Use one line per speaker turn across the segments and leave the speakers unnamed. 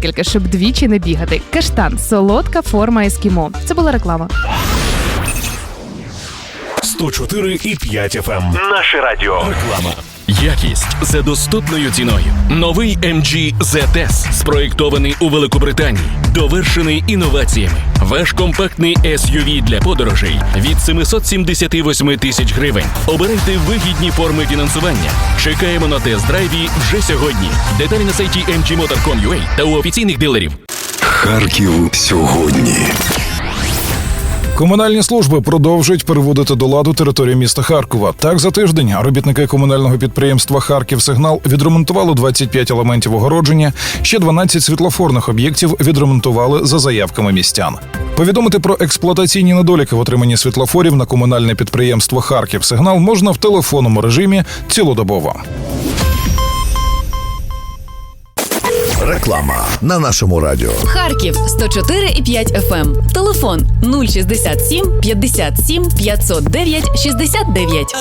декілька, щоб двічі не бігати. Каштан – солодка форма ескімо. Це була реклама.
104,5 FM. Наше радіо. Реклама.
Якість за доступною ціною. Новий MG ZS, спроєктований у Великобританії, довершений інноваціями. Ваш компактний SUV для подорожей від 778 тисяч гривень. Обирайте вигідні форми фінансування. Чекаємо на тест-драйві вже сьогодні. Деталі на сайті mgmotor.com.ua та у офіційних дилерів.
Харків сьогодні.
Комунальні служби продовжують переводити до ладу територію міста Харкова. Так, за тиждень робітники комунального підприємства «Харківсигнал» відремонтували 25 елементів огородження, ще 12 світлофорних об'єктів відремонтували за заявками містян. Повідомити про експлуатаційні недоліки в отриманні світлофорів на комунальне підприємство «Харківсигнал» можна в телефонному режимі цілодобово.
Реклама на нашому радіо.
Харків 104,5 FM. Телефон 067 57 509 69.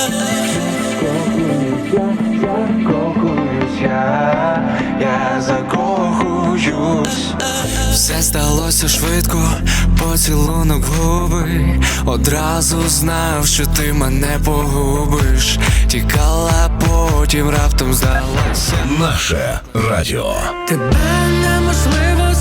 Я закохуюсь. Все сталося швидко, поцілунок в губи. Одразу знав, що ти мене погубиш. Тікала, потім раптом здалася.
Наше радіо.
Тебе неможливо